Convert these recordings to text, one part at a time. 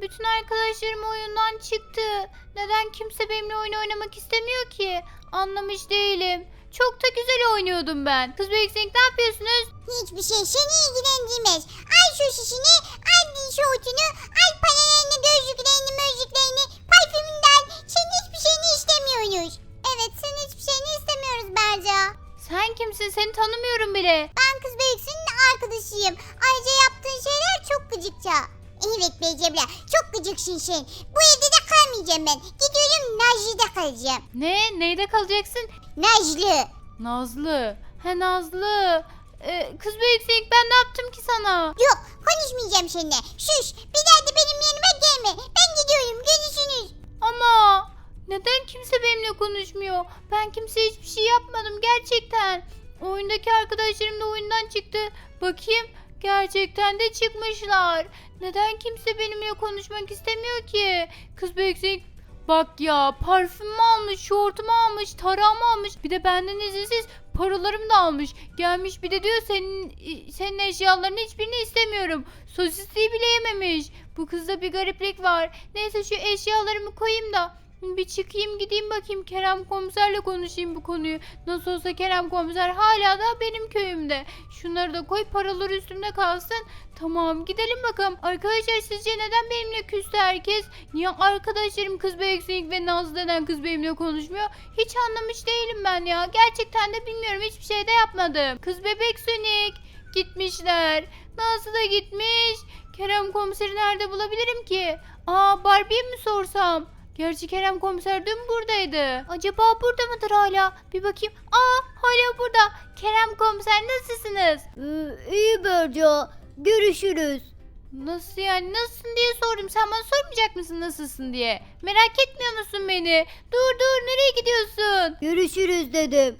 Bütün arkadaşlarım oyundan çıktı. Neden kimse benimle oyun oynamak istemiyor ki? Anlamış değilim. Çok da güzel oynuyordum ben. Kız Büyüksek ne yapıyorsunuz? Hiçbir şey seni ilgilendirmez. Al şu şişini, al şortunu, al paralarını, gözlüklerini, mözlüklerini, parfümünü de al. Senin hiçbir şeyini istemiyoruz. Evet, senin hiçbir şeyini istemiyoruz Berca. Sen kimsin? Seni tanımıyorum bile. Ben Kız Büyüksünün arkadaşıyım. Ayrıca yaptığın şeyler çok gıcıkça. Evet Becebla, çok gıcıksın sen. Bu evde de kalmayacağım ben. Gidiyorum Nazlı'da kalacağım. Ne? Neyde kalacaksın? Nazlı. Nazlı. He Nazlı. Kız Büyüksek ben ne yaptım ki sana? Yok, konuşmayacağım seninle. Sus, bir daha da benim yanıma gelme. Ben gidiyorum, görüşürüz. Ama neden kimse benimle konuşmuyor? Ben kimseye hiçbir şey yapmadım gerçekten. Oyundaki arkadaşlarım da oyundan çıktı. Bakayım gerçekten de çıkmışlar. Neden kimse benimle konuşmak istemiyor ki? Kız Büyüksek bak ya, parfümümü almış, şortumu almış, tarağımı almış. Bir de benden izinsiz paralarımı da almış. Gelmiş bir de diyor senin eşyalarının hiçbirini istemiyorum. Sosisliği bile yememiş. Bu kızda bir gariplik var. Neyse şu eşyalarımı koyayım da bir çıkayım gideyim bakayım Kerem komiserle konuşayım bu konuyu. Nasıl olsa Kerem komiser hala da benim köyümde. Şunları da koy, paralar üstümde kalsın. Tamam, gidelim bakalım. Arkadaşlar sizce neden benimle küstü herkes? Niye arkadaşlarım Kız Büyüksek ve Naz denen kız benimle konuşmuyor? Hiç anlamış değilim ben ya. Gerçekten de bilmiyorum, hiçbir şey de yapmadım. Kız Bebek Sonic gitmişler. Nazlı da gitmiş. Kerem komiseri nerede bulabilirim ki? Barbie'ye mi sorsam? Gerçi Kerem komiser dün buradaydı. Acaba burada mıdır hala? Bir bakayım. Hala burada. Kerem komiser nasılsınız? İyi Berca, görüşürüz. Nasıl yani? Nasılsın diye sordum. Sen bana sormayacak mısın nasılsın diye? Merak etmiyor musun beni? Dur nereye gidiyorsun? Görüşürüz dedim.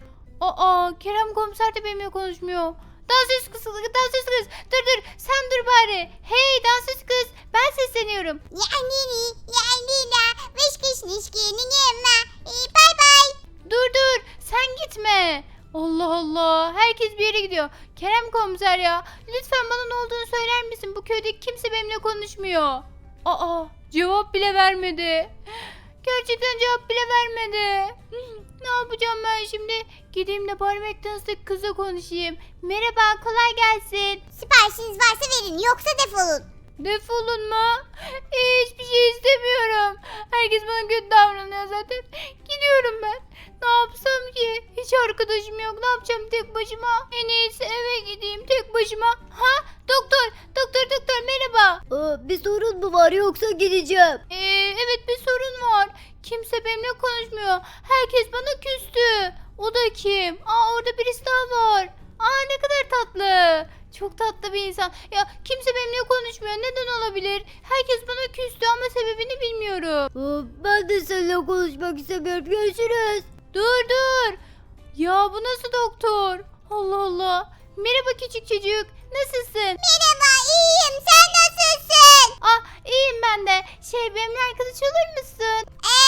Kerem komiser de benimle konuşmuyor. Dansöz kız. Dur sen dur bari. Hey dansöz kız, ben sesleniyorum. Ya Lila, vışkışnışkinin yemma. Bye bye. Dur sen gitme. Allah Allah, herkes bir yere gidiyor. Kerem komiser ya, lütfen bana ne olduğunu söyler misin? Bu köydeki kimse benimle konuşmuyor. Cevap bile vermedi. Gerçekten cevap bile vermedi. Ne yapacağım ben şimdi? Gideyim de bari McDonald's'taki kızla konuşayım. Merhaba, kolay gelsin. Siparişiniz varsa verin, yoksa defolun. Defolun mu? Hiçbir şey istemiyorum. Herkes bana kötü davranıyor zaten. Gidiyorum ben. Ne yapsam ki? Hiç arkadaşım yok. Ne yapacağım tek başıma? En iyisi eve gideyim tek başıma. Doktor merhaba. Bir sorun mu var yoksa gideceğim? Evet bir sorun var. Kimse benimle konuşmuyor. Herkes bana küstü. O da kim? Orada birisi daha var. Ne kadar tatlı. Çok tatlı bir insan. Ya kimse benimle konuşmuyor. Neden olabilir? Herkes bana küstü ama sebebini bilmiyorum. Ben de seninle konuşmak istemiyorum. Görüşürüz. Dur. Ya bu nasıl doktor? Allah Allah. Merhaba küçük çocuk. Nasılsın? Merhaba, iyiyim. Sen nasılsın? İyiyim ben de. Benimle arkadaş olur musun?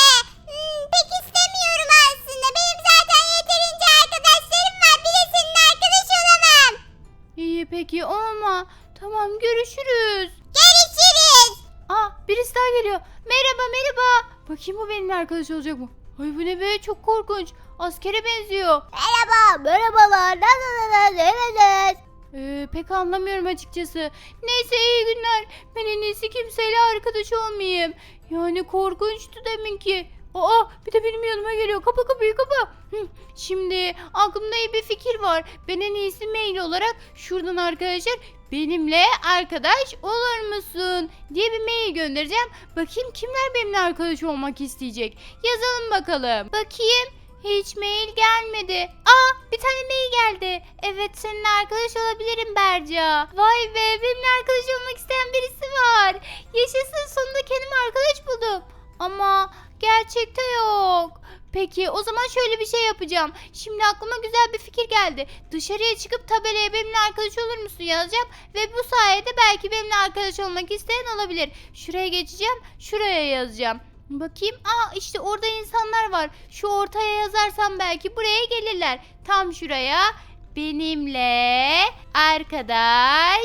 Pek istemiyorum aslında. Benim zaten yeterince arkadaşlarım var. Bir de senin arkadaş olamam. İyi peki olma. Tamam görüşürüz. Görüşürüz. Birisi daha geliyor. Merhaba. Bakayım bu benimle arkadaş olacak mı? Ay bu ne be, çok korkunç. Askere benziyor. Merhabalar. Nasılsınız? Pek anlamıyorum açıkçası. Neyse iyi günler. Ben en iyisi kimseyle arkadaş olmayayım. Yani korkunçtu deminki. Bir de benim yanıma geliyor. Kapa kapıyı kapa. Şimdi aklımda iyi bir fikir var. Ben en iyisi mail olarak şuradan arkadaşlar benimle arkadaş olur musun diye bir mail göndereceğim. Bakayım kimler benimle arkadaş olmak isteyecek. Yazalım bakalım. Bakayım. Hiç mail gelmedi. Bir tane mail geldi. Evet seninle arkadaş olabilirim Berca. Vay be, benimle arkadaş olmak isteyen birisi var. Yaşasın, sonunda kendime arkadaş buldum. Ama gerçekte yok. Peki o zaman şöyle bir şey yapacağım. Şimdi aklıma güzel bir fikir geldi. Dışarıya çıkıp tabelaya benimle arkadaş olur musun yazacağım. Ve bu sayede belki benimle arkadaş olmak isteyen olabilir. Şuraya geçeceğim. Şuraya yazacağım. Bakayım. İşte orada insanlar var. Şu ortaya yazarsam belki buraya gelirler. Tam şuraya. Benimle arkadaş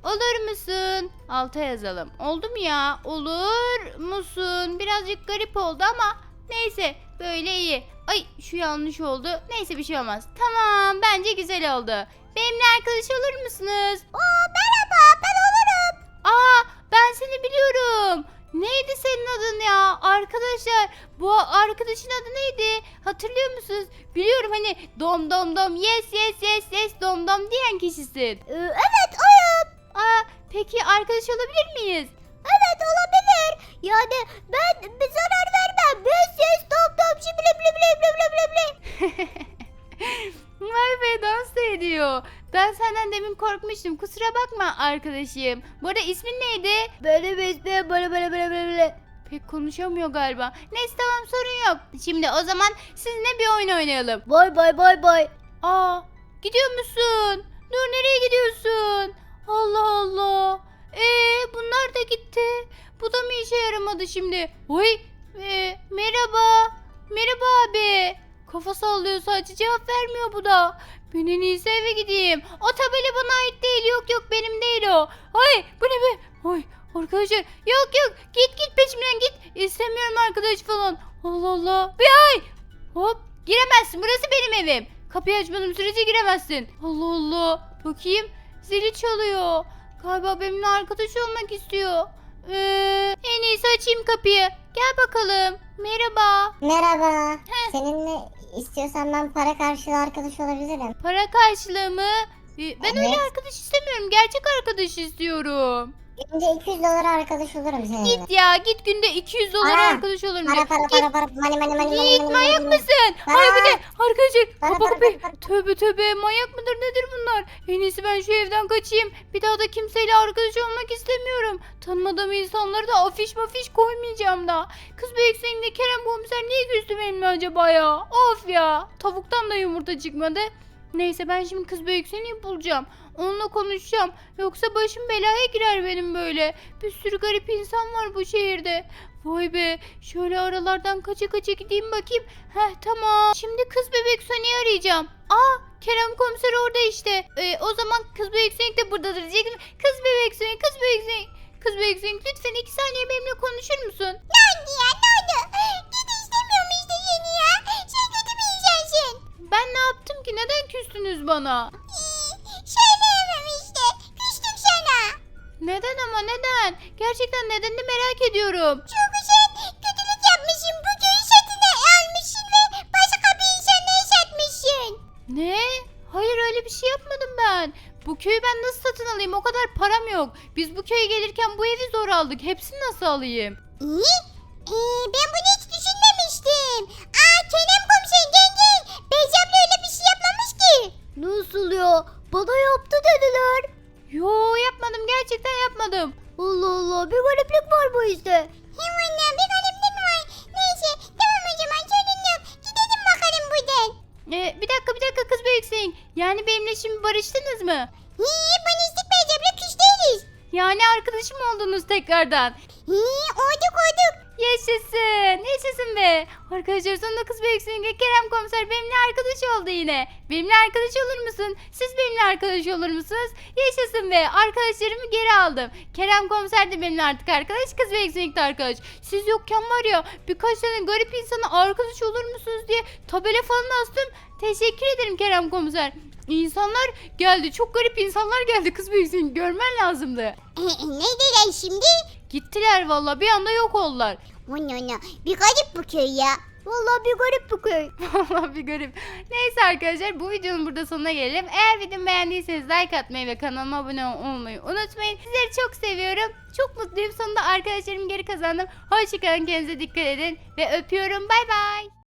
olur musun? Alta yazalım. Oldu mu ya? Olur musun? Birazcık garip oldu ama neyse böyle iyi. Ay şu yanlış oldu. Neyse bir şey olmaz. Tamam bence güzel oldu. Benimle arkadaş olur musunuz? Merhaba ben olurum. Aa ben seni biliyorum. Neydi senin adın ya? Arkadaşlar bu arkadaşın adı neydi? Hatırlıyor musunuz? Biliyorum hani dom dom dom yes yes yes yes dom dom diyen kişisin. Evet oyum. Aa peki arkadaş olabilir miyiz? Evet olabilir. Yani ben bir zarar vermem. Yes top top şibli bli bli bli bli bli bli. Vay be dans da ediyor. Ben senden demin korkmuştum. Kusura bakma arkadaşım. Bu arada ismin neydi? Benim ismim böyle. Pek konuşamıyor galiba. Neyse tamam sorun yok. Şimdi o zaman sizinle bir oyun oynayalım. Bay. Aa gidiyor musun? Dur nereye gidiyorsun? Allah Allah. Bunlar da gitti. Bu da mı işe yaramadı şimdi? Oy merhaba. Merhaba abi. Kafa sallıyor sadece cevap vermiyor bu da. Ben en iyisi eve gideyim. O tabela bana ait değil. Yok benim değil o. Ay bu ne be? Ay arkadaşlar yok git peşimden git. İstemiyorum arkadaş falan. Allah Allah. Bir ay. Hop giremezsin burası benim evim. Kapıyı açmadığım sürece giremezsin. Allah Allah. Bakayım zili çalıyor. Galiba benimle arkadaş olmak istiyor. En iyisi açayım kapıyı. Gel bakalım. Merhaba. Merhaba. Seninle istiyorsan ben para karşılığı arkadaş olabilirim. Para karşılığı mı? Ben öyle Evet. arkadaş istemiyorum. Gerçek arkadaş istiyorum. Günde 200 dolara arkadaş olurum seninle. Git ya git günde 200 dolar Para. arkadaş olurum. Para money. Git manyak mısın? Para. Ay bu ne? Arkadaşlar Para, kapa para, kapıyı. para. Tövbe manyak mıdır nedir bunlar? En iyisi ben şu evden kaçayım. Bir daha da kimseyle arkadaş olmak istemiyorum. Tanımadığım insanlara da afiş mafiş koymayacağım da. Kız Büyüksen'de Kerem komiser niye küstü benimle acaba ya? Of ya. Tavuktan da yumurta çıkmadı. Neyse ben şimdi kız Büyüksen'i bulacağım. Onunla konuşacağım. Yoksa başım belaya girer benim böyle. Bir sürü garip insan var bu şehirde. Vay be. Şöyle aralardan kaça gideyim bakayım. Heh tamam. Şimdi kız bebek Sony'yi arayacağım. Aa Kerem komiser orada işte. O zaman kız bebek Sonic de buradadır diyecektim. Kız bebek Sonic. Kız bebek Sonic lütfen 2 saniye benimle konuşur musun? Ne oldu? Git istemiyorum işte yeni ya. Sen kötü bir insansın. Ben ne yaptım ki? Neden küstünüz bana? Söyleyemem işte. Küstüm sana. Neden ama neden? Gerçekten nedenini merak ediyorum. Çünkü sen kötülük yapmışsın. Bu köyü satın almışsın ve başka bir insanlara satmışsın. Ne? Hayır öyle bir şey yapmadım ben. Bu köyü ben nasıl satın alayım? O kadar param yok. Biz bu köye gelirken bu evi zor aldık. Hepsini nasıl alayım? İyi. Ben bunu hiç düşünmemiştim. Kerem komiser gel. Beyzemle öyle bir şey yapmamış ki. Nasıl ya? Bana yaptı dediler. Yo yapmadım. Gerçekten yapmadım. Allah Allah bir gariplik var bu işte. Hemen bir gariplik var. Neyse tamam o zaman sorun yok. Gidelim bakalım buradan. Bir dakika kız büyüksün. Yani benimle şimdi barıştınız mı? Barıştık Beyzemle küs değiliz. Yani arkadaşım oldunuz tekrardan. Olduk. Yaşasın be. Arkadaşlar sonunda kız büyüksün. Kerem komiser benimle arkadaş oldu yine. Benimle arkadaş olur musun? Siz benimle arkadaş olur musunuz? Yaşasın be. Arkadaşlarımı geri aldım. Kerem komiser de benimle artık arkadaş. Kız büyüksün de arkadaş. Siz yokken var ya birkaç tane garip insana arkadaş olur musunuz diye tabela falan astım. Teşekkür ederim Kerem komiser. İnsanlar geldi. Çok garip insanlar geldi kız büyüksün. Görmen lazımdı. Ne dediler şimdi? Gittiler valla bir anda yok oldular. Onu. Bir garip bu köy ya. Vallahi bir garip bu köy. Vallahi bir garip. Neyse arkadaşlar bu videonun burada sonuna gelelim. Eğer videomu beğendiyseniz like atmayı ve kanalıma abone olmayı unutmayın. Sizleri çok seviyorum. Çok mutluyum. Sonunda arkadaşlarımı geri kazandım. Hoşçakalın kendinize dikkat edin. Ve öpüyorum. Bay bay.